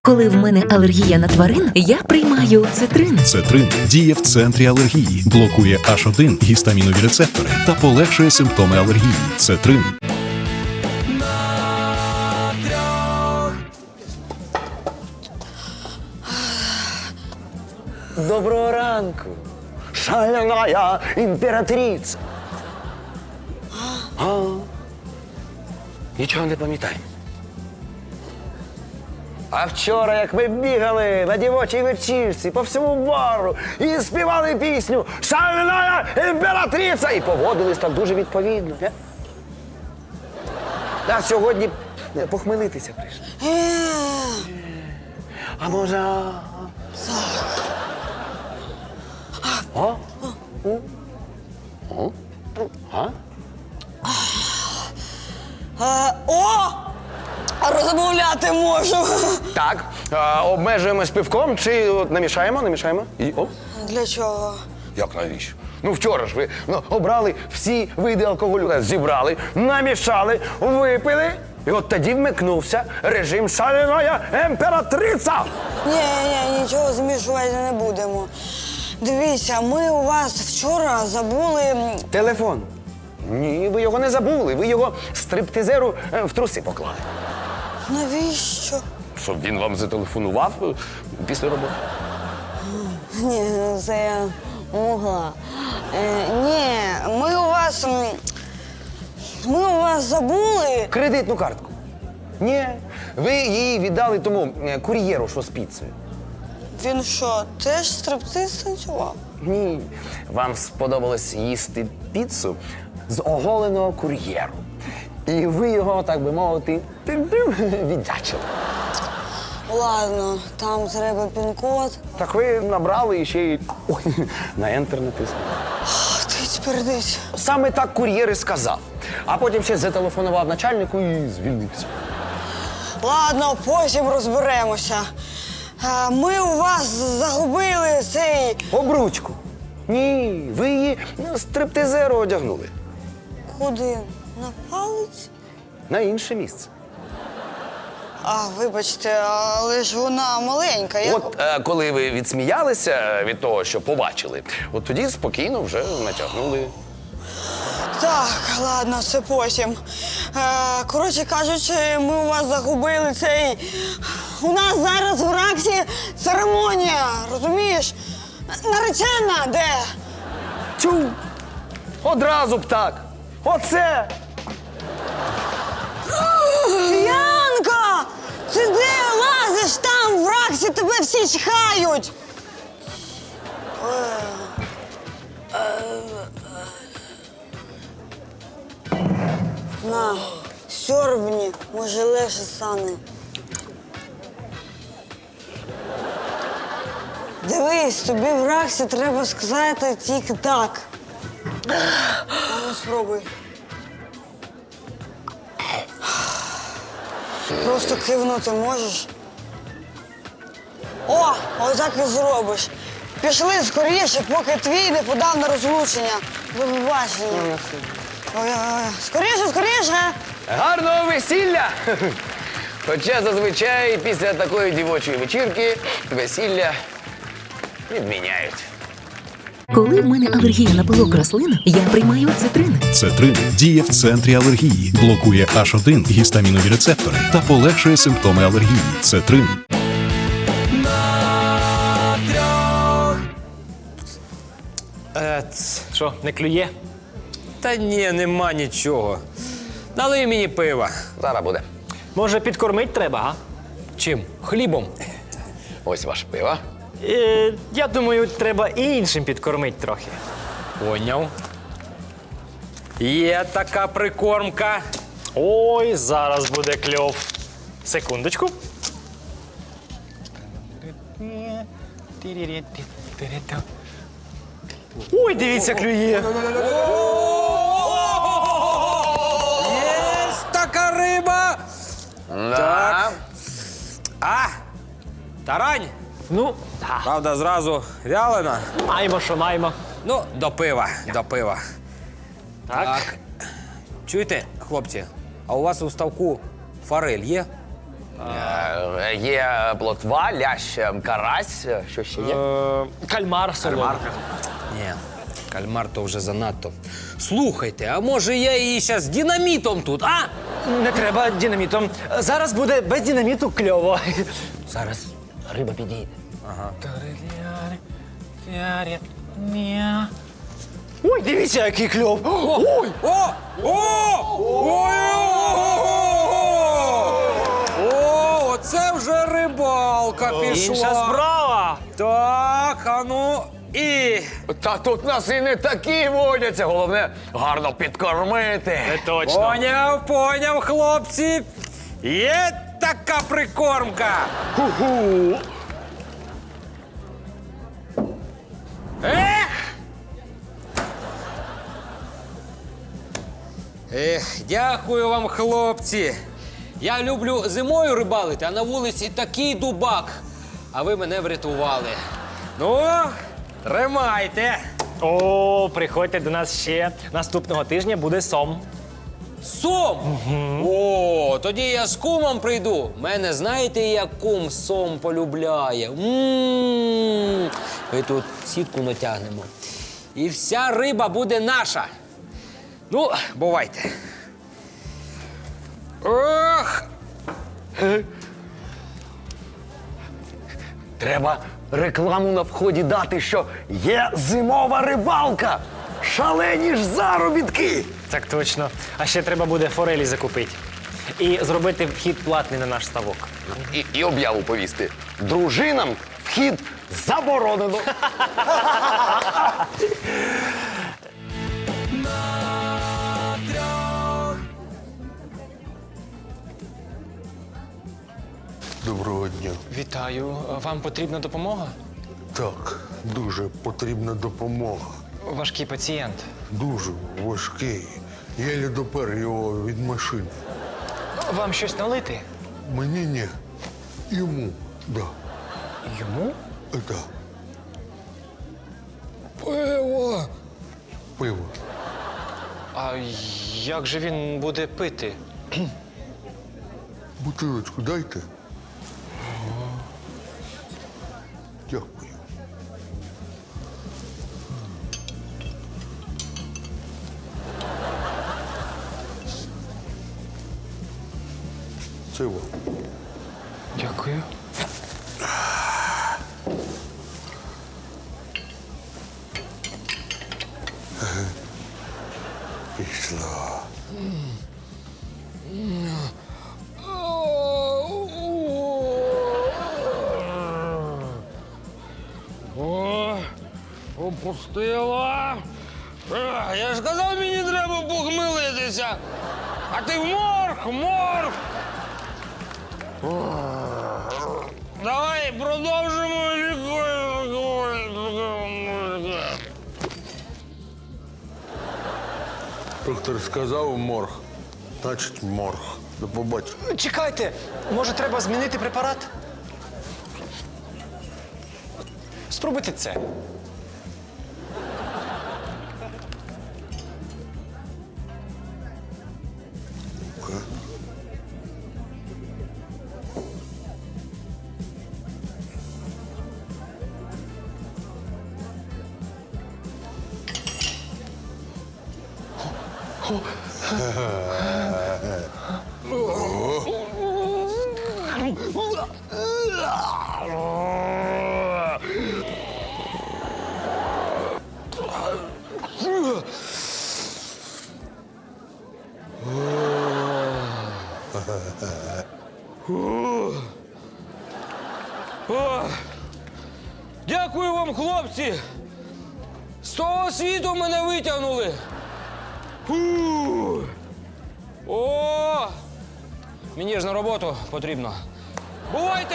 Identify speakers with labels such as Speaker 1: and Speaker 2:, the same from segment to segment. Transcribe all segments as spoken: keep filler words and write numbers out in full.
Speaker 1: Коли в мене алергія на тварин, я приймаю цитрин.
Speaker 2: Цетрин діє в центрі алергії, блокує аш один гістамінові рецептори та полегшує симптоми алергії. Цетрин.
Speaker 3: Доброго ранку, шаляная імператриця. А? Нічого не пам'ятаю. А вчора, як ми бігали на дівочій вечірці по всьому бару і співали пісню «Шаляная імператриця» і поводились так дуже відповідно. Не? А сьогодні похмелитися прийшли. А може... а? О? О? О? А?
Speaker 4: Е, О! Розмовляти можу.
Speaker 3: Так, а, обмежуємось пивком чи от, намішаємо, намішаємо? І оп.
Speaker 4: Для чого?
Speaker 3: Як навіщо? Ну вчора ж ви ну, обрали всі види алкоголю, зібрали, намішали, випили. І от тоді вмикнувся режим «Шаляная імператриця».
Speaker 4: Ні, ні, нічого змішувати не будемо. Дивіться, ми у вас вчора забули... м,
Speaker 3: Телефон. Ні, ви його не забули, ви його стриптизеру е, в труси поклали.
Speaker 4: Навіщо?
Speaker 3: Щоб він вам зателефонував е, після роботи.
Speaker 4: Ні, ну це я могла. Е, ні, ми у вас... м, Ми у вас забули...
Speaker 3: Кредитну картку. Ні, ви її віддали тому е, кур'єру, що з піцею.
Speaker 4: Він що, теж стриптиз танцював?
Speaker 3: Ні, вам сподобалось їсти піцу з оголеного кур'єру. І ви його, так би мовити, тим-тим віддячили.
Speaker 4: Ладно, там треба пін-код.
Speaker 3: Так ви набрали і ще й ой, на ентер натиснули.
Speaker 4: Тить передить.
Speaker 3: Саме так кур'єр і сказав. А потім ще зателефонував начальнику і звільнився.
Speaker 4: Ладно, потім розберемося. Е, Ми у вас загубили цей...
Speaker 3: Обручку. Ні, ви її ну, стриптизеру одягнули.
Speaker 4: Куди? На палець?
Speaker 3: На інше місце.
Speaker 4: А, вибачте, але ж вона маленька. Я...
Speaker 3: От е, коли ви відсміялися від того, що побачили, от тоді спокійно вже натягнули.
Speaker 4: Так, ладно, це потім. Е, коротше кажучи, ми у вас загубили цей... У нас зараз в Раксі церемонія, розумієш? Наречена де?
Speaker 3: Тю! Одразу б так! Оце!
Speaker 4: Янка! Ти де лазиш там в Раксі, тебе всі чхають! На, сьорбні, може легше стане. Дивись, тобі в Раксі треба сказати тільки так. А ну спробуй. Просто кивнути можеш? О, отак і зробиш. Пішли скоріше, поки твій не подав на розлучення. До побачення. Ой-ой-ой. Скоріше, скоріше.
Speaker 3: Гарного весілля! Хоча зазвичай після такої дівочої вечірки весілля відміняють.
Speaker 1: Коли в мене алергія на пилок рослин, я приймаю цитрин.
Speaker 2: Цетрин діє в центрі алергії, блокує аш один гістамінові рецептори та полегшує симптоми алергії. Цетрин.
Speaker 5: Е, ц, що, не клює? Та ні, нема нічого. Налий мені пива.
Speaker 3: Зараз буде.
Speaker 5: Може, підкормить треба, а? Чим? Хлібом.
Speaker 3: Ось ваше пиво.
Speaker 5: Е, я думаю, треба і іншим підкормить трохи. Поняв. Є така прикормка. Ой, зараз буде кльов. Секундочку. Ой, дивіться, клює. Є така риба. Так. А, тарань. Ну, правда, зразу вялена.
Speaker 6: Маємо, що маємо.
Speaker 5: Ну, до пива, до пива.
Speaker 6: Так.
Speaker 5: Чуєте, хлопці, а у вас у ставку форель є?
Speaker 3: Е, Є плотва, лящ, е, карась. е, Що ще є?
Speaker 5: Е, Кальмар солоний. Ні, кальмар то вже занадто. Слухайте, а може я її зараз динамітом тут, а?
Speaker 6: Не треба динамітом. Зараз буде без динаміту кльово.
Speaker 5: Зараз риба підійде.
Speaker 6: Ой, дивіться, який кльов.
Speaker 5: Ой! О! О! Ой! О! Оце вже рибалка пішла.
Speaker 6: Інша справа.
Speaker 5: Так, а ну і.
Speaker 3: Та тут нас і не такі водяться. Головне, гарно підкормити.
Speaker 6: Точно.
Speaker 5: Поняв, поняв, хлопці. Є така прикормка.
Speaker 3: Ху-ху.
Speaker 5: Ех! Ех, дякую вам, хлопці. Я люблю зимою рибалити, а на вулиці такий дубак. А ви мене врятували. Ну, тримайте.
Speaker 6: О, приходьте до нас ще. Наступного тижня буде сом.
Speaker 5: Сом! О, тоді я з кумом прийду. Мене знаєте, як кум сом полюбляє. М-м-м. Ми тут сітку натягнемо. І вся риба буде наша. Ну, бувайте. Ох!
Speaker 3: Треба рекламу на вході дати, що є зимова рибалка. Шалені ж заробітки.
Speaker 6: Так точно. А ще треба буде форелі закупити. І зробити вхід платний на наш ставок.
Speaker 3: І, і об'яву повісти. Дружинам вхід заборонено.
Speaker 7: Доброго дня.
Speaker 8: Вітаю. Вам потрібна допомога?
Speaker 7: Так, дуже потрібна допомога.
Speaker 8: Важкий пацієнт.
Speaker 7: Дуже важкий. Єлі допер його від машини.
Speaker 8: Вам щось налити?
Speaker 7: Мені ні. Йому, да.
Speaker 8: Йому?
Speaker 7: Е, Да.
Speaker 5: Пиво!
Speaker 7: Пиво.
Speaker 8: А як же він буде пити?
Speaker 7: Бутилочку дайте. Дякую. Це вам.
Speaker 8: Дякую.
Speaker 7: Пішла.
Speaker 5: О, опустила. Ех, Я ж казав, мені треба похмелитися. А ти в морг, в морг. О, Давай продовжимо лікування.
Speaker 7: Доктор сказав морг. Значить морг. До побачення.
Speaker 6: Чекайте, може треба змінити препарат? Спробуйте це.
Speaker 5: Дякую вам, хлопці! З того світу мене витягнули. Фу. О! Мені ж на роботу потрібно. Бувайте!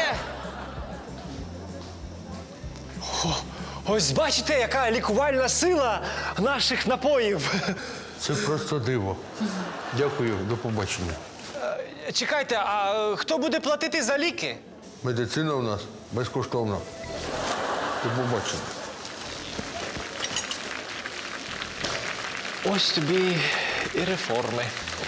Speaker 6: Ось бачите, яка лікувальна сила наших напоїв.
Speaker 7: Це просто диво. Дякую, до побачення.
Speaker 6: Чекайте, а е, хто буде платити за ліки?
Speaker 7: Медицина у нас безкоштовна. До побачення.
Speaker 8: Ось тобі і реформи.